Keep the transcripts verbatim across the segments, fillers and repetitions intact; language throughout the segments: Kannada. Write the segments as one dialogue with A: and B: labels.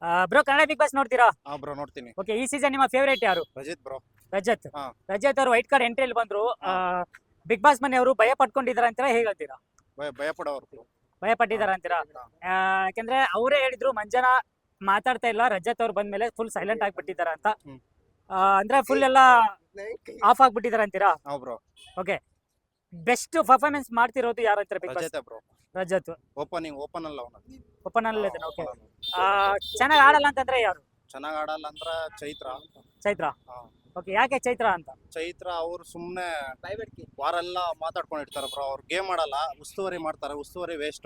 A: ಬ್ರೋ ಕನ್ನಡ ಬಿಗ್ ಬಾಸ್ ನೋಡ್ತೀರಾ?
B: ಹಾ ಬ್ರೋ ನೋಡ್ತೀನಿ.
A: ಓಕೆ, ಈ ಸೀಸನ್ ನಿಮ್ಮ ಫೇವರೇಟ್ ಯಾರು?
B: ರಜಿತ್ ಬ್ರೋ.
A: ರಜತ್.
B: ಹಾ.
A: ರಜತ್ ಅವರು ವೈಟ್ ಕಾರ್ಡ್ ಎಂಟ್ರಿಯಲ್ಲಿ ಬಂದ್ರು.
B: ಹಾ.
A: ಬಿಗ್ ಬಾಸ್ ಮನೆಯವರು ಭಯ ಪಟ್ಕೊಂಡಿದಾರ ಅಂತೀರಾ, ಹೇಗೆ ಹೇಳ್ತೀರಾ?
B: ಭಯ ಭಯ ಪಡೋರು ಬ್ರೋ.
A: ಭಯ ಪಟ್ಟಿದಾರ ಅಂತೀರಾ?
B: ಹಾ.
A: ಆ, ಯಾಕಂದ್ರೆ ಅವರೇ ಹೇಳಿದ್ರು ಮಂಜನ ಮಾತಾಡ್ತಾ ಇಲ್ಲ, ರಜತ್ ಅವ್ರು ಬಂದ್ಮೇಲೆ ಫುಲ್ ಸೈಲೆಂಟ್ ಆಗಿಬಿಟ್ಟಿದಾರ ಅಂತ.
B: ಹ್ಮ್.
A: ಆ, ಅಂದ್ರೆ ಫುಲ್ ಎಲ್ಲ ಆಫ್ ಆಗ್ಬಿಟ್ಟಿದಾರ ಅಂತೀರಾ?
B: ಹಾ ಬ್ರೋ.
A: ಓಕೆ, ಬೆಸ್ಟ್ ಪರ್ಫಾರ್ಮೆನ್ಸ್ ಮಾಡ್ತಿರೋದು ಯಾರು ಅಂತಾರೆ Bigg Boss?
B: Rajat bro.
A: Rajat
B: opening open ಅಲ್ಲ ಅವನ.
A: ಓಪನ್ ಅಲ್ಲಿ ಓಕೆ. ಚೆನ್ನಾಗಿ ಆಡಲ್ಲ ಅಂತಂದ್ರೆ ಯಾರು?
B: ಚೆನ್ನಾಗ್ ಆಡಲ್ಲ ಅಂದ್ರ ಚೈತ್ರ.
A: ಚೈತ್ರ.
B: ಹಾ.
A: ಓಕೆ, ಯಾಕೆ ಚೈತ್ರ ಅಂತ?
B: ಚೈತ್ರ ಅವ್ರು ಸುಮ್ನೆ ವಾರೆಲ್ಲ ಮಾತಾಡ್ಕೊಂಡಿರ್ತಾರ ಬ್ರೋ. ಅವ್ರು ಗೇಮ್ ಆಡಲ್ಲ, ಉಸ್ತುವಾರಿ ಮಾಡ್ತಾರೆ. ಉಸ್ತುವಾರಿ ವೇಸ್ಟ್.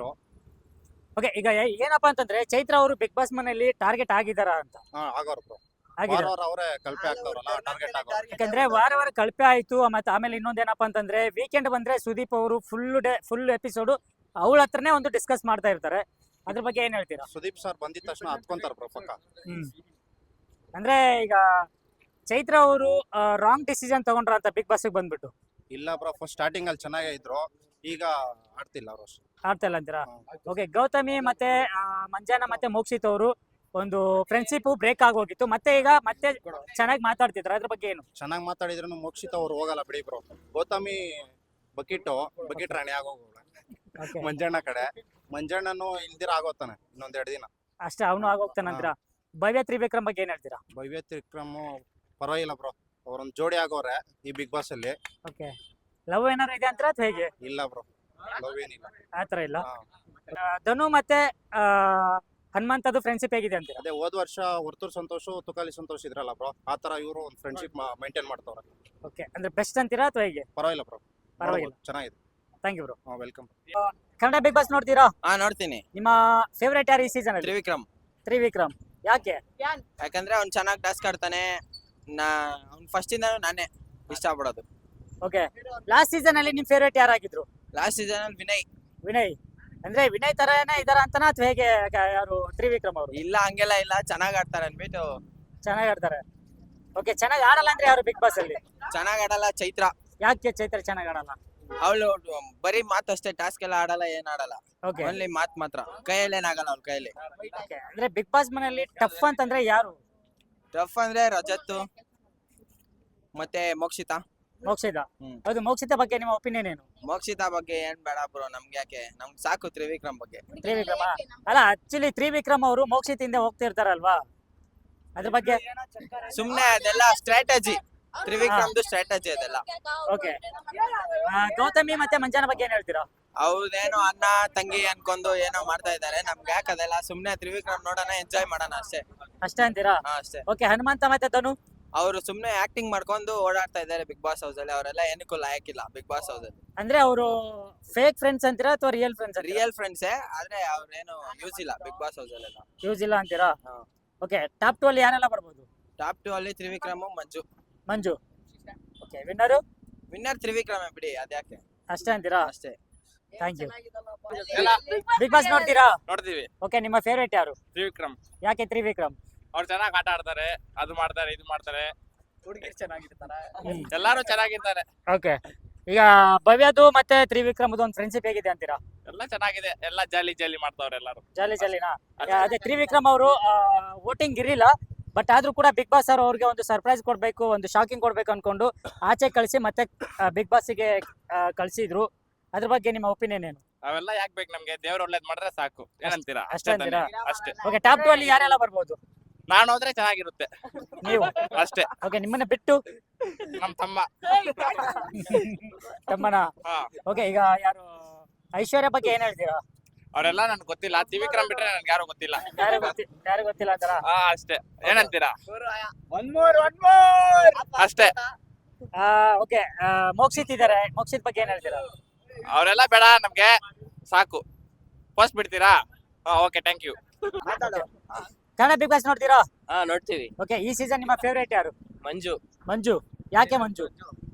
A: ಓಕೆ, ಈಗ ಏ- ಏನಪ್ಪಾ ಅಂತಂದ್ರೆ ಚೈತ್ರ ಅವರು ಬಿಗ್ ಬಾಸ್ ಮನೆಯಲ್ಲಿ ಟಾರ್ಗೆಟ್ ಆಗಿದಾರ ಅಂತ.
B: ಹಾ ಆಗೋರು ಬ್ರೋ.
A: ಆಗಿದಾರ.
B: ವಾರ ಅವರೇ ಕಲ್ಪೆ ಆಗ್ತಾವ್ರಲ್ಲ ಟಾರ್ಗೆಟ್ ಆಗೋ.
A: ಯಾಕಂದ್ರೆ ವಾರ ವಾರ ಕಳಪೆ ಆಯ್ತು. ಮತ್ತೆ ಆಮೇಲೆ ಇನ್ನೊಂದೇನಪ್ಪಾ ಅಂತಂದ್ರೆ ವೀಕೆಂಡ್ ಬಂದ್ರೆ ಸುದೀಪ್ ಅವರು ಫುಲ್ ಡೇ ಫುಲ್ ಎಪಿಸೋಡ್ ಅವಳ ಹತ್ರನೇ ಒಂದು ಡಿಸ್ಕಸ್ ಮಾಡ್ತಾ ಇರ್ತಾರೆ. ಅದ್ರ ಬಗ್ಗೆ ಏನ್ ಹೇಳ್ತೀರಾ?
B: ಸುದೀಪ್ ಸರ್ ಬಂದಿದ ತಕ್ಷಣ ಹತ್ಕೊಂತಾರ ಬ್ರೋ ಪಕ್ಕ.
A: ಹ್ಮ್ ಅಂದ್ರೆ ಈಗ ಚೈತ್ರ ಅವರು ರಾಂಗ್ ಡಿಸಿಷನ್ ತಗೊಂಡ್ರ ಅಂತ ಬಿಗ್ ಬಾಸ್ ಬಂದ್ಬಿಟ್ಟು
B: ಇಲ್ಲ ಬ್ರೋ, ಫಸ್ಟ್ ಸ್ಟಾರ್ಟಿಂಗ್ ಅಲ್ಲಿ ಚೆನ್ನಾಗೇ ಇದ್ರು. ಈಗ ಆಡ್ತಿಲ್ಲ ಅವ್ರು ಅಷ್ಟು.
A: ಆಡ್ತಾ ಇಲ್ಲ ಅಂತೀರಾ? ಓಕೆ, ಗೌತಮಿ ಮತ್ತೆ ಆ, ಮಂಜಾನ ಮತ್ತೆ ಮೋಕ್ಷಿತ್ ಅವರು ಒಂದು ಫ್ರೆಂಡ್ಶಿಪ್ ಬ್ರೇಕ್ ಆಗೋಗಿತ್ತು. ಮತ್ತೆ ಈಗ ಮತ್ತೆ ಚೆನ್ನಾಗಿ ಮಾತಾಡ್ತಿದ್ರು. ಅದ್ರ ಬಗ್ಗೆ ಏನು?
B: ಚೆನ್ನಾಗಿ ಮಾತಾಡಿದ್ರು ಮೋಕ್ಷಿತ ಅವ್ರು ಹೋಗಲ್ಲ ಬಿಡಿ ಬ್ರೋ. ಗೌತಮಿ ಬಕೀಟು ಬಕೀಟ್ ರಾಣಿ ಆಗೋಗೋಳ.
A: ಓಕೆ,
B: ಮಂಜಣ್ಣ ಕಡೆ ಮಂಜಣ್ಣನು ಇಲ್ದಿರ ಆಗೋತಾನೆ ಇನ್ನೊಂದೆರಡು ದಿನ.
A: ಅಷ್ಟೇ, ಅವನು ಆಗೋಗ್ತಾನಂತೀರಾ? ಭವ್ಯ ತ್ರಿವಿಕ್ರಮ್ ಬಗ್ಗೆ ಏನ್ ಹೇಳ್ತೀರಾ?
B: ಭವ್ಯ ತ್ರಿಕ್ರಮ್ ಪರವಾಗಿಲ್ಲ ಬ್ರೋ. ಅವ್ರೊಂದ್ ಜೋಡಿ ಆಗೋರೆ ಈ ಬಿಗ್ ಬಾಸ್ ಅಲ್ಲಿ.
A: ಓಕೆ, ಲವ್ ಏನಾರು ಇದೆ ಅಂತೀರಾ ಅಥವಾ ಹೇಗೆ?
B: ಇಲ್ಲ ಬ್ರೋ, ಲವ್ ಏನಿಲ್ಲ.
A: ಆತರ ಇಲ್ಲ.
B: ಹಾ.
A: ಆ, ಧನು ಮತ್ತೆ ಆ, ಹನುಮಂತದ್ದು ಫ್ರೆಂಡ್ಶಿಪ್ ಹೇಗಿದೆ ಅಂತೀರಾ?
B: ಅದೇ ಹೋದ್ ವರ್ಷ ವರ್ತೂರ್ ಸಂತೋಷ್ ತುಕಾಲಿ ಸಂತೋಷ್ ಇದ್ರಲ್ಲ ಬ್ರೋ, ಆತರ ಇವರು ಒಂದು ಫ್ರೆಂಡ್ಶಿಪ್ ಮೈಂಟೈನ್ ಮಾಡ್ತಾವ್ರೆ.
A: ಓಕೆ, ಅಂದ್ರೆ ಬೆಸ್ಟ್ ಅಂತೀರಾ ಅಥವಾ ಹೇಗೆ?
B: ಪರವಾಗಿಲ್ಲ ಬ್ರೋ,
A: ಪರವಾಗಿಲ್ಲ.
B: ಚೆನ್ನಾಗಿದೆ.
A: Thank you bro.
B: Welcome.
A: Kannada Bigg Boss ನೋಡ್ತೀರಾ?
C: ಹಾ ನೋಡ್ತೀನಿ.
A: ನಿಮ್ಮ ಫೇವರೇಟ್ ಯಾರು ಈ ಸೀಸನ್ ಅಲ್ಲಿ?
C: ತ್ರಿವಿಕ್ರಮ್.
A: ತ್ರಿವಿಕ್ರಮ್. ಯಾಕೆ?
C: ಯಾಕಂದ್ರೆ ಅವ್ನ್ ಚೆನ್ನಾಗಿ ಟಾಸ್ಕ್ ಆಡ್ತಾನೆ. ನಾ ಅವ್ನ್ ಫಸ್ಟ್ ಇಂದಾನು ನಾನೇ ಇಷ್ಟ ಪಡೋದು.
A: ಓಕೆ, ಲಾಸ್ಟ್ ಸೀಸನ್ ಅಲ್ಲಿ ನಿಮ್ ಫೇವರೇಟ್ ಯಾರಾಗಿದ್ರು?
C: ಲಾಸ್ಟ್ ಸೀಸನ್ ಅಲ್ಲಿ ವಿನಯ್.
A: ವಿನಯ್. ಅಂದ್ರೆ ವಿನಯ್ ತರನೇ ಇದಾರ ಅಂತನಾ ಅಥವಾ ಹೇಗೆ? ಕ- ಯಾರು ತ್ರಿವಿಕ್ರಮ್ ಅವರು
C: ಇಲ್ಲ ಹಂಗೆಲ್ಲ ಇಲ್ಲ, ಚೆನ್ನಾಗ್ ಆಡ್ತಾರೆ ಅನ್ಬಿಟ್ಟು.
A: ಚೆನ್ನಾಗಿ ಆಡ್ತಾರೆ. ಓಕೆ, ಚೆನ್ನಾಗಿ ಆಡಲ್ಲ ಅಂದ್ರೆ ಯಾರು ಬಿಗ್ ಬಾಸ್ ಅಲ್ಲಿ?
C: ಚೆನ್ನಾಗ್ ಆಡಲ್ಲ ಚೈತ್ರ.
A: ಯಾಕೆ ಚೈತ್ರ ಚೆನ್ನಾಗಿ ಆಡಲ್ಲ?
C: ಅವಳು ಬರೀ ಮಾತು ಅಷ್ಟೇ, ಟಾಸ್ಕ್ ಎಲ್ಲ ಆಡಲ್ಲ, ಏನ್ ಆಡಲ್ಲ.
A: ಓಕೆ,
C: ಓನ್ಲಿ ಮಾತ್ ಮಾತ್ರ. ಕೈಯಲ್ಲಿ ಏನಾಗಲ್ಲ ಅವ್ಳ ಕೈಯಲ್ಲಿ.
A: ಓಕೆ. ಅಂದ್ರೆ ಬಿಗ್ ಬಾಸ್ ಮನೆಯಲ್ಲಿ ಟಫ್ ಅಂತಂದ್ರೆ ಯಾರು?
C: ಟಫ್ ಅಂದ್ರೆ ರಜತ್ ಮತ್ತೆ ಮೋಕ್ಷಿತ.
A: ಮೋಕ್ಷಿತ.
C: ಹ್ಮ್.
A: ಹೌದು, ಮೋಕ್ಷಿತ ಬಗ್ಗೆ ನಿಮ್ಮ ಒಪಿನಿಯನ್ ಏನು?
C: ಮೋಕ್ಷಿತ ಬಗ್ಗೆ ಏನ್ ಬೇಡ ಬ್ರೋ, ನಮ್ಗೆ ಯಾಕೆ, ನಮ್ಗೆ ಸಾಕು ತ್ರಿವಿಕ್ರಮ್ ಬಗ್ಗೆ.
A: ತ್ರಿವಿಕ್ರಮ ಅಲ್ಲ, ಆಕ್ಚುಲಿ ತ್ರಿವಿಕ್ರಮ್ ಅವರು ಮೋಕ್ಷಿತಿಂದ ಹೋಗ್ತಿರ್ತಾರಲ್ವಾ, ಅದ್ರ ಬಗ್ಗೆ?
C: ಸುಮ್ನೆ ಅದೆಲ್ಲ ಸ್ಟ್ರಾಟಜಿ. ತ್ರಿವಿಕ್ರಮ್ದು ಸ್ಟ್ರಾಟಜಿ ಅದೆಲ್ಲ.
A: ಓಕೆ, ಗೌತಮಿ ಮತ್ತೆ ಮಂಜಾನ ಬಗ್ಗೆ ಏನ್ ಹೇಳ್ತೀರಾ?
C: ಅವ್ರದೇನೋ ಅಣ್ಣ ತಂಗಿ ಅನ್ಕೊಂಡು ಏನೋ ಮಾಡ್ತಾ ಇದಾರೆ. ನಮ್ಗೆ ಯಾಕೆ ಅದೆಲ್ಲ, ಸುಮ್ನೆ ತ್ರಿವಿಕ್ರಮ್ ನೋಡೋಣ, ಎಂಜಾಯ್ ಮಾಡೋಣ ಅಷ್ಟೇ.
A: ಅಷ್ಟೇ ಅಂತೀರಾ?
C: ಹಾ ಅಷ್ಟೇ.
A: ಓಕೆ, ಹನುಮಂತ ಮತ್ತೆ ಧನು?
C: ಅವ್ರು ಸುಮ್ನೆ ಆಕ್ಟಿಂಗ್ ಮಾಡ್ಕೊಂಡು ಓಡಾಡ್ತಾ ಇದಾರೆ ಬಿಗ್ ಬಾಸ್ ಹೌಸ್ ಅಲ್ಲಿ. ಅವರೆಲ್ಲ ಏನಕ್ಕೂ ಲಾಯಕ್ಕಿಲ್ಲ ಬಿಗ್ ಬಾಸ್ ಹೌಸ್ ಅಲ್ಲಿ.
A: ಅಂದ್ರೆ ಅವರು ಫೇಕ್ ಫ್ರೆಂಡ್ಸ್ ಅಂತೀರಾ ಅಥವಾ ರಿಯಲ್ ಫ್ರೆಂಡ್ಸ್?
C: ರಿಯಲ್ ಫ್ರೆಂಡ್ಸೇ, ಆದ್ರೆ ಅವ್ರೇನು ಯೂಸ್ ಇಲ್ಲ ಬಿಗ್ ಬಾಸ್ ಹೌಸ್ ಅಲ್ಲೆಲ್ಲ.
A: ಯೂಸ್ ಇಲ್ಲ ಅಂತೀರಾ?
C: ಹಾ.
A: ಓಕೆ, ಟಾಪ್ ಟು ಅಲ್ಲಿ ಯಾರೆಲ್ಲ ಬರ್ಬೋದು?
C: ಟಾಪ್ ಟು ಅಲ್ಲಿ Trivikram, Manju.
A: Manju. Okay, winner?
C: Winner ತ್ರಿವಿಕ್ರಮೇ ಬಿಡಿ, ಅದ್ಯಾಕೆ.
A: ಅಷ್ಟೇ ಅಂತೀರಾ?
C: ಅಷ್ಟೇ.
A: Thank you. ಬಿಗ್ ಬಾಸ್ ನೋಡ್ತೀರಾ?
D: ನೋಡ್ತೀವಿ.
A: ಓಕೆ, ನಿಮ್ಮ ಫೇವರೇಟ್ ಯಾರು?
D: ತ್ರಿವಿಕ್ರಮ್.
A: ಯಾಕೆ ತ್ರಿವಿಕ್ರಮ್?
D: ಅವ್ರು ಚೆನ್ನಾಗಿ ಆಟ ಆಡ್ತಾರೆ, ಅದು ಮಾಡ್ತಾರೆ, ಇದು ಮಾಡ್ತಾರೆ,
A: ಹುಡುಗಿರು ಚೆನ್ನಾಗಿರ್ತಾರೆ.
D: ಎಲ್ಲಾರು ಚೆನ್ನಾಗಿದ್ದಾರೆ.
A: ಓಕೆ, ಈಗ ಭವ್ಯದು ಮತ್ತೆ ತ್ರಿವಿಕ್ರಮ್ದು ಒಂದು ಫ್ರೆಂಡ್ಶಿಪ್ ಹೇಗಿದೆ ಅಂತೀರಾ?
D: ಎಲ್ಲ ಚೆನ್ನಾಗಿದೆ, ಎಲ್ಲ ಜಾಲಿ ಜಾಲಿ ಮಾಡ್ತಾವ್ರೆ ಎಲ್ಲಾರು.
A: ಜಾಲಿ ಜಾಲಿನಾ? ಅದೇ ತ್ರಿವಿಕ್ರಮ್ ಅವರು ವೋಟಿಂಗ್ ಇರಲಿಲ್ಲ, ಬಟ್ ಆದ್ರೂ ಕೂಡ ಬಿಗ್ ಬಾಸ್ ಅವ್ರು ಅವ್ರಿಗೆ ಒಂದು ಸರ್ಪ್ರೈಸ್ ಕೊಡ್ಬೇಕು, ಒಂದು ಶಾಕಿಂಗ್ ಕೊಡ್ಬೇಕು ಅನ್ಕೊಂಡು ಆಚೆ ಕಳಿಸಿ ಮತ್ತೆ ಬಿಗ್ ಬಾಸ್ಗೆ ಕಳಿಸಿದ್ರು. ಅದ್ರ ಬಗ್ಗೆ ನಿಮ್ಮ ಒಪಿನಿಯನ್ ಏನು?
D: ಅವೆಲ್ಲ ಯಾಕೆ ಬೇಕು ನಮ್ಗೆ? ದೇವ್ರ ಒಳ್ಳೇದ್ ಮಾಡ್ರೆ ಸಾಕು, ಏನಂತೀರಾ?
A: ಅಷ್ಟೇ
D: ಅಷ್ಟೇ
A: ಅಂತೀರಾ?
D: ತಾನೇ? ಅಷ್ಟೇ.
A: ಓಕೆ, ಟಾಪ್ ಟು ಅಲ್ಲಿ ಯಾರೆಲ್ಲ ಬರ್ಬೋದು?
D: ನಾನು ಹೋದ್ರೆ ಚೆನ್ನಾಗಿರುತ್ತೆ
A: ನೀವು?
D: ಅಷ್ಟೇ.
A: ಓಕೆ, ನಿಮ್ಮನ್ನ ಬಿಟ್ಟು
D: ನಮ್ ತಮ್ಮ.
A: ತಮ್ಮನ?
D: ಹಾ,
A: ಓಕೆ, ಈಗ ಯಾರು ಐಶ್ವರ್ಯ ಬಗ್ಗೆ ಏನ್ ಹೇಳ್ತೀರಾ?
D: ಅವರೆಲ್ಲ ನನ್ಗೆ ಗೊತ್ತಿಲ್ಲ. ತ್ರಿವಿಕ್ರಮ್ ಬಿಟ್ರೆ ನನ್ಗೆ ಯಾರು ಗೊತ್ತಿಲ್ಲ.
A: ಯಾರು ಗೊತ್ತಿ ಯಾರು ಗೊತ್ತಿಲ್ಲ ಅಂತಾರ?
D: ಹಾ ಅಷ್ಟೇ, ಏನಂತೀರಾ?
A: ಒನ್ ಮೋರ್ ಒನ್ ಮೋರ್
D: ಅಷ್ಟೇ.
A: ಓಕೆ, ಮೋಕ್ಷಿತ್ ಇದಾರೆ, ಮೋಕ್ಷಿತ್ ಬಗ್ಗೆ ಏನ್ ಹೇಳ್ತೀರಾ?
D: ಅವರೆಲ್ಲ ಬೇಡ ನಮ್ಗೆ, ಸಾಕು. ಪೋಸ್ಟ್ ಬಿಡ್ತೀರಾ? ಹಾ okay, thank you.
A: Kannada Bigg Boss ನೋಡ್ತೀರಾ?
E: ಹಾ ನೋಡ್ತೀವಿ.
A: ಓಕೆ, ಈ ಸೀಸನ್ ನಿಮ್ಮ ಫೇವರೇಟ್ ಯಾರು?
E: ಮಂಜು.
A: ಮಂಜು. ಯಾಕೆ ಮಂಜು?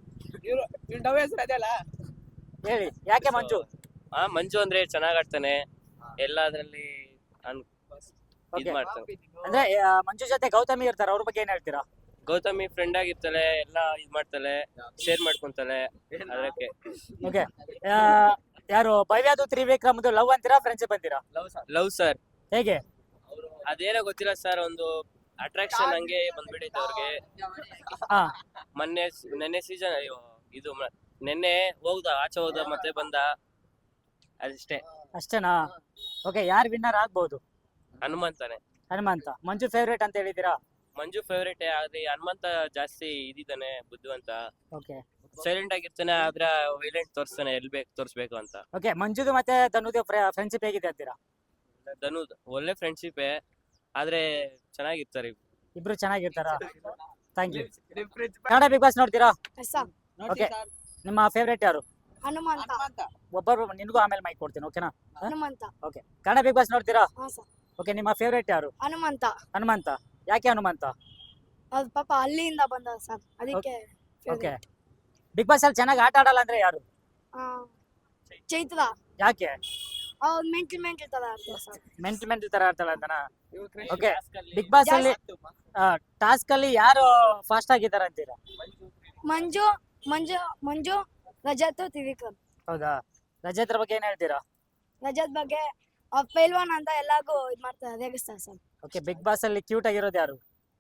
A: ಹೇಳಿ, ಯಾಕೆ ಮಂಜು?
E: ಹಾ ಮಂಜು ಅಂದ್ರೆ ಚೆನ್ನಾಗ್ ಆಡ್ತಾನೆ, ಎಲ್ಲದ್ರಲ್ಲಿ ಅನ್- ಇದ್
A: Okay.
E: ಮಾಡ್ತಾನೆ.
A: ಅಂದ್ರೆ ಆ, ಮಂಜು ಜೊತೆ ಗೌತಮಿ ಇರ್ತಾರೆ, ಅವ್ರ ಬಗ್ಗೆ ಏನ್ ಹೇಳ್ತೀರಾ?
E: ಗೌತಮಿ ಫ್ರೆಂಡ್ ಆಗಿರ್ತಾಳೆ, ಎಲ್ಲ ಇದ್ ಮಾಡ್ತಾಳೆ, ಶೇರ್ ಮಾಡ್ಕೊಂತಾಳೆ. ಅದಕ್ಕೆ
A: ಓಕೆ, ಯಾರು ಭವ್ಯದು ತ್ರಿವಿಕ್ರಮ್ದು ಲವ್ ಅಂತೀರಾ ಫ್ರೆಂಡ್ಶಿಪ್ ಅಂತೀರಾ?
E: Love sir.
A: ಹೇಗೆ?
E: ಅದೇನೋ ಗೊತ್ತಿಲ್ಲ ಸರ್, ಒಂದು ಅಟ್ರಾಕ್ಷನ್ ಹಂಗೆ ಬಂದ್ಬಿಟ್ಟೈತೆ ಅವ್ರಿಗೆ.
A: ಹಾ
E: ಮೊನ್ನೆ ನೆನ್ನೆ ಸೀಸನ್ ಇದು ಮ- ನೆನ್ನೆ ಹೋಗ್ದ ಆಚೆ ಹೋದ ಮತ್ತೆ ಬಂದ ಅಷ್ಟೇ.
A: ಅಷ್ಟೇನಾ? ಓಕೆ, ಯಾರು ವಿನ್ನರ್ ಆಗ್ಬೋದು?
E: ಹನುಮಂತನೇ.
A: ಹನುಮಂತ. ಮಂಜು ಫೇವ್ರೇಟ್ ಅಂತ ಹೇಳಿದ್ದೀರಾ?
E: ಮಂಜು ಫೇವ್ರೇಟ್, ಆದ್ರೆ ಹನುಮಂತ ಜಾಸ್ತಿ ಇದಿದ್ದಾನೆ, ಬುದ್ಧಿವಂತ,
A: ಓಕೆ
E: ಸೈಲೆಂಟ್ ಆಗಿರ್ತಾನೆ, ಆದ್ರೆ ವೈಲೆಂಟ್ ತೋರಿಸ್ತಾನೆ ಎಲ್ ಬೇಕು ತೋರಿಸ್ಬೇಕು ಅಂತ.
A: ಓಕೆ, ಮಂಜುದು ಮತ್ತೆ ಧನುದು ಫ್ರೆಂಡ್ಶಿಪ್ ಹೇಗಿದೆ ಅಂತೀರಾ?
E: ಧನು ಒಳ್ಳೆ ಫ್ರೆಂಡ್ಶಿಪ್, ಆದ್ರೆ ಚೆನ್ನಾಗಿರ್ತಾರೆ ಇಬ್ರು.
A: ಇಬ್ರು ಚೆನ್ನಾಗಿರ್ತಾರಾ? Thank you. Kannada Bigg Boss ನೋಡ್ತೀರಾ? ಓಕೆ, ನಿಮ್ಮ ಫೇವ್ರೇಟ್ ಯಾರು?
F: ಹನುಮಂತ.
A: ಒಬ್ಬರು ನಿನಗೂ ಆಮೇಲೆ ಮೈಕ್ ಕೊಡ್ತೀನಿ, ಓಕೆನಾ?
F: Hanumantha.
A: Okay, Kannada Bigg Boss ನೋಡ್ತೀರಾ?
F: ಹಾ ಸರ್.
A: ಓಕೆ, ನಿಮ್ಮ ಫೇವ್ರೇಟ್ ಯಾರು?
F: ಹನುಮಂತ.
A: ಹನುಮಂತ. ಯಾಕೆ ಹನುಮಂತ?
F: ಅದು ಪಾಪ ಹಳ್ಳಿಯಿಂದ ಬಂದ ಸರ್, ಅದಕ್ಕೆ
A: ಓಕೆ, ಬಿಗ್ ಬಾಸ್ ಅಲ್ಲಿ ಚೆನ್ನಾಗಿ ಆಟ ಆಡಲ್ಲ ಅಂದ್ರೆ ಯಾರು?
F: ಆ, ಚೈತ್ರ.
A: ಯಾಕೆ?
F: ಅವ್ರು ಮೆಂಟಲ್ ಮೆಂಟಲ್ ತರ ಆಡ್ತಾರೆ ಸರ್.
A: ಮೆಂಟಲ್ ಮೆಂಟಲ್ ತರ ಆಡ್ತಾಳ ಅಂತನಾ? ಓಕೆ, ಬಿಗ್ ಬಾಸ್ ಅಲ್ಲಿ ಟಾಸ್ಕ್ ಅಲ್ಲಿ ಯಾರು ಫಾಸ್ಟ್ ಆಗಿದ್ದಾರೆ ಅಂತೀರಾ?
F: ಮಂಜು ಮಂಜು ಮಂಜು ರಜತ್ ತ್ರಿವಿಕ್ರಮ್.
A: ಹೌದಾ? ರಜತ್ರ ಬಗ್ಗೆ ಏನ್ ಹೇಳ್ತೀರಾ?
F: ರಜತ್ ಬಗ್ಗೆ ಅವ್ರ ಪೈಲ್ವಾನ್ ಅಂತ ಎಲ್ಲಾರ್ಗು ಇದ್ ಮಾಡ್ತಾರೆ, ರೇಗಿಸ್ತಾರೆ ಸರ್.
A: ಓಕೆ, ಬಿಗ್ ಬಾಸ್ ಅಲ್ಲಿ ಕ್ಯೂಟ್ ಆಗಿರೋದು ಯಾರು?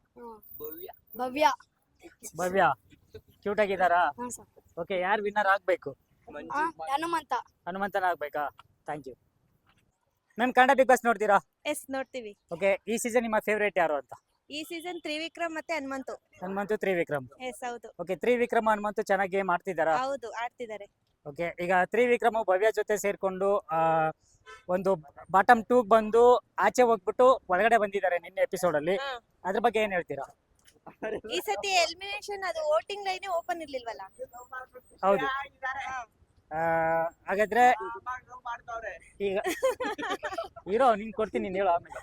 F: ಭವ್ಯ.
A: ಭವ್ಯ ಕ್ಯೂಟ್ ಆಗಿದಾರಾ?
F: ಹಾ ಸರ್.
A: ಓಕೆ, ಯಾರು ವಿನ್ನರ್ ಆಗ್ಬೇಕು?
F: ಆ, ಹನುಮಂತ.
A: ಹನುಮಂತನ ಆಗ್ಬೇಕಾ? Thank you. Ma'am, Kannada Bigg Boss ನೋಡ್ತೀರಾ?
G: ಎಸ್ ನೋಡ್ತೀವಿ.
A: ಓಕೆ, ಈ ಸೀಸನ್ ನಿಮ್ಮ ಫೇವ್ರೇಟ್ ಯಾರು ಅಂತ?
G: ಈ ಸೀಸನ್ ತ್ರಿವಿಕ್ರಮ್ ಮತ್ತೆ ಹನುಮಂತು.
A: ಹನುಮಂತು ತ್ರಿವಿಕ್ರಮ್.
G: ಎಸ್ ಹೌದು.
A: ಓಕೆ, ತ್ರಿವಿಕ್ರಮ್ ಹನುಮಂತು ಚೆನ್ನಾಗಿ ಗೇಮ್ ಆಡ್ತಿದಾರಾ?
G: ಹೌದು ಆಡ್ತಿದ್ದಾರೆ.
A: ಓಕೆ, ಈಗ ತ್ರಿವಿಕ್ರಮ್ ಭವ್ಯ ಜೊತೆ ಸೇರ್ಕೊಂಡು ಆ, ಒಂದು ಬಾಟಮ್ ಟೂ ಬಂದು ಆಚೆ ಹೋಗ್ಬಿಟ್ಟು ಒಳಗಡೆ ಬಂದಿದ್ದಾರೆ ನಿನ್ನೆ ಎಪಿಸೋಡ್ ಅಲ್ಲಿ.
G: ಹಾ.
A: ಅದ್ರ ಬಗ್ಗೆ ಏನ್ ಹೇಳ್ತೀರಾ?
G: ಈ ಸತಿ ಎಲಿಮಿನೇಷನ್ ಅದು ವೋಟಿಂಗ್ ಲೈನ್ ಓಪನ್ ಇರ್ಲಿಲ್ವಲ್ಲ.
A: ಹೌದು. ಆ, ಹಾಗಾದ್ರೆ ಈಗ ಹೀರೋ ನಿನ್ ಕೊಡ್ತೀನಿ, ನೀನ್ ಹೇಳು ಆಮೇಲೆ.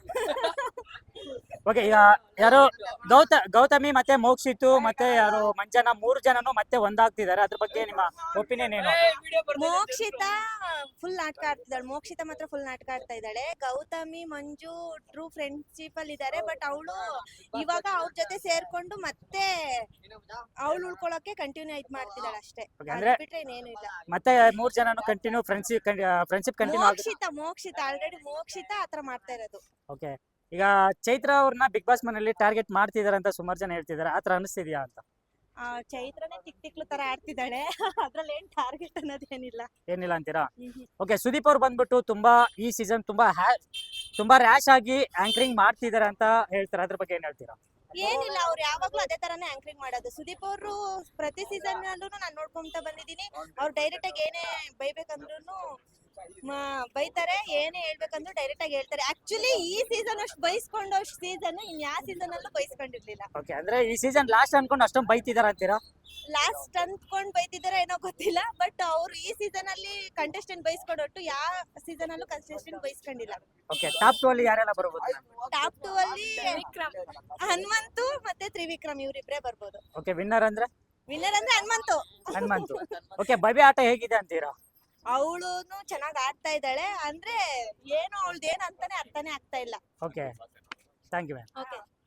A: ಓಕೆ, ಈಗ ಯಾರು ಗೌತ ಗೌತಮಿ ಮತ್ತೆ ಮೋಕ್ಷಿತು ಮತ್ತೆ ಯಾರು ಮಂಜನ ಮೂರು ಜನನು ಮತ್ತೆ ಒಂದಾಗ್ತಿದ್ದಾರೆ, ಅದ್ರ ಬಗ್ಗೆ ನಿಮ್ಮ ಒಪಿನಿಯನ್ ಏನು?
G: ಮೋಕ್ಷಿತ ಫುಲ್ ನಾಟಕ ಆಡ್ತಿದ್ದಾಳೆ. ಮೋಕ್ಷಿತ ಮಾತ್ರ ಫುಲ್ ನಾಟಕ ಆಡ್ತಾ ಇದ್ದಾಳೆ. ಗೌತಮಿ ಮಂಜು ಟ್ರೂ ಫ್ರೆಂಡ್ಶಿಪ್ ಅಲ್ಲಿ ಇದಾರೆ, ಬಟ್ ಅವಳು ಇವಾಗ ಅವ್ರ ಜೊತೆ ಸೇರ್ಕೊಂಡು ಮತ್ತೆ ಅವಳು ಉಳ್ಕೊಳಕ್ಕೆ ಕಂಟಿನ್ಯೂ ಇದ್ ಮಾಡ್ತಿದ್ದಾಳೆ ಅಷ್ಟೇ.
A: Okay, ಅಂದ್ರೆ-
G: ಅದ್ ಬಿಟ್ರೆ ಇನ್ನೇನು ಇಲ್ಲ.
A: ಮತ್ತೆ ಮೂರ್ ಜನನು ಕಂಟಿನ್ಯೂ ಫ್ರೆಂಡ್ಶಿಪ್ ಫ್ರೆಂಡ್ಶಿಪ್ ಕಂಟಿನ್ಯೂ ಆಗುತ್ತೆ.
G: ಮೋಕ್ಷಿತ ಮೋಕ್ಷಿತ ಆಲ್ರೆಡಿ ಮೋಕ್ಷಿತ ಆತರ ಮಾಡ್ತಾ ಇರೋದು.
A: ಓಕೆ, ಈಗ ಚೈತ್ರ ಅವ್ರನ್ನ ಬಿಗ್ ಬಾಸ್ ಮನೇಲಿ ಟಾರ್ಗೆಟ್ ಮಾಡ್ತಿದಾರೆ ಅಂತ ಸುಮಾರು ಜನ ಹೇಳ್ತಿದಾರೆ, ಆತರ ಅನಿಸ್ತಿದ್ಯಾ ಅಂತ?
G: ಆ ಚೈತ್ರನೇ ತಿಕ್ ತಿಕ್ಲು ತರ ಆಡ್ತಿದ್ದಾಳೆ. ಅದ್ರಲ್ಲಿ ಏನ್ ಟಾರ್ಗೆಟ್ ಅನ್ನೋದೇನಿಲ್ಲ.
A: ಏನಿಲ್ಲ ಅಂತೀರಾ?
G: ಹ್ಮ್
A: ಓಕೆ, ಸುದೀಪ್ ಅವ್ರು ಬಂದ್ಬಿಟ್ಟು ತುಂಬಾ ಈ ಸೀಸನ್ ತುಂಬಾ ಹ್ಯಾ- ತುಂಬಾ ರ್ಯಾಶ್ ಆಗಿ ಆಂಕರಿಂಗ್ ಮಾಡ್ತಿದಾರೆ ಅಂತ ಹೇಳ್ತಾರೆ, ಅದ್ರ ಬಗ್ಗೆ ಏನ್ ಹೇಳ್ತೀರಾ?
G: ಏನಿಲ್ಲ, ಅವ್ರು ಯಾವಾಗ್ಲೂ ಅದೇ ತರಾನೇ ಆಂಕರಿಂಗ್ ಮಾಡೋದು. ಸುದೀಪ್ ಅವರು ಪ್ರತಿ ಸೀಸನ್ ಅಲ್ಲೂ ನಾನ್ ನೋಡ್ಕೊಂತ ಬಂದಿದೀನಿ. ಅವ್ರು ಡೈರೆಕ್ಟ್ ಆಗಿ ಏನೇ ಬೈಬೇಕಂದ್ರೂ ಬೈತಾರೆ, ಏನೇ ಹೇಳ್ಬೇಕಂದ್ರು ಡೈರೆಕ್ಟ್ ಆಗಿ ಹೇಳ್ತಾರೆ. ಆಕ್ಚುಲಿ ಈ ಸೀಸನ್ ಅಷ್ಟು ಬೈಸ್ಕೊಂಡು ಅಷ್ಟು ಸೀಸನ್ ಇನ್ ಯಾವ ಸೀಸನ್ ಅಲ್ಲೂ ಬೈಸ್ಕೊಂಡಿರ್ಲಿಲ್ಲ.
A: ಓಕೆ, ಅಂದ್ರೆ ಈ ಸೀಸನ್ ಲಾಸ್ಟ್ ಅನ್ಕೊಂಡು ಅಷ್ಟೊಂದು ಬೈತಿದಾರ ಅಂತೀರಾ?
G: ಲಾಸ್ಟ್ ಅಂದ್ಕೊಂಡ್ ಬೈತಿದಾರ ಏನೋ ಗೊತ್ತಿಲ್ಲ, ಬಟ್ ಅವ್ರು ಈ ಸೀಸನ್ ಅಲ್ಲಿ ಕಂಟೆಸ್ಟೆಂಟ್ ಬೈಸ್ಕೊಂಡೊಟ್ಟು ಯಾವ ಸೀಸನ್ ಅಲ್ಲೂ ಕಂಟೆಸ್ಟೆಂಟ್ ಬೈಸ್ಕೊಂಡಿಲ್ಲ.
A: ಓಕೆ, ಟಾಪ್ ಟು ಅಲ್ಲಿ ಯಾರೆಲ್ಲ ಬರ್ಬೋದು?
G: ಟಾಪ್ ಟೂ ಅಲ್ಲಿ ಹನುಮಂತು ಮತ್ತೆ ತ್ರಿವಿಕ್ರಮ್ ಇವ್ರಿಬ್ರೇ ಬರ್ಬೋದು.
A: ಓಕೆ, ವಿನ್ನರ್ ಅಂದ್ರೆ?
G: ವಿನ್ನರ್ ಅಂದ್ರೆ ಹನುಮಂತು.
A: ಹನುಮಂತು. ಓಕೆ, ಭವ್ಯ ಆಟ ಹೇಗಿದೆ ಅಂತೀರಾ?
G: ಅವಳುನು ಚೆನ್ನಾಗ್ ಆಡ್ತಾ ಇದ್ದಾಳೆ, ಅಂದ್ರೆ ಏನು ಅವಳ್ದು ಏನ್ ಅಂತಾನೆ ಅರ್ಥನೇ ಆಗ್ತಾ ಇಲ್ಲ.
A: Okay, thank you ma'am.
G: Okay.